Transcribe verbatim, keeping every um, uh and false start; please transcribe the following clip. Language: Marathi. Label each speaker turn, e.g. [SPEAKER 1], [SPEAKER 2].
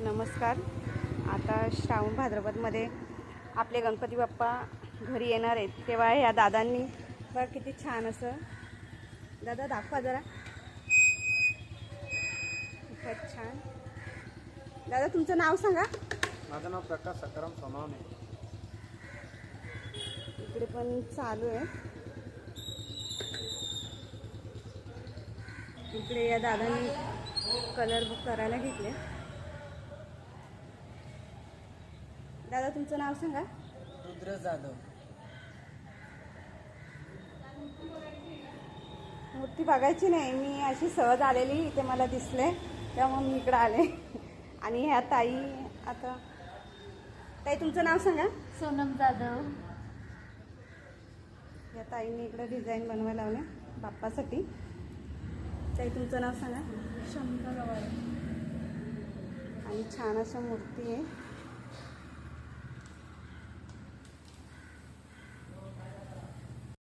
[SPEAKER 1] नमस्कार. आता श्रावण भाद्रपदमध्ये आपले गणपती बाप्पा घरी येणार आहेत, तेव्हा ह्या दादांनी बघा किती छान असं, दादा दाखवा जरा, खूपच छान. दादा तुमचं नाव सांगा.
[SPEAKER 2] माझं नाव प्रकाश सकाराम सोनवणे.
[SPEAKER 1] इकडे पण चालू आहे. इकडे या दादांनी कलर बुक करायला घेतले. दादा तुमचं नाव सांगा.
[SPEAKER 2] रुद्र जाधव.
[SPEAKER 1] मूर्ती बघायची नाही, मी अशी सहज आलेली, इथे मला दिसले त्यामुळे मी इकडे आले. आणि ह्या ताई, आता ताई तुमचं नाव सांगा.
[SPEAKER 3] सोनम जाधव.
[SPEAKER 1] या ताईंनी इकडे डिझाईन बनवायला लावले बाप्पासाठी. ताई तुमचं नाव सांगा.
[SPEAKER 3] शंकर.
[SPEAKER 1] आणि छान अशा मूर्ती आहे.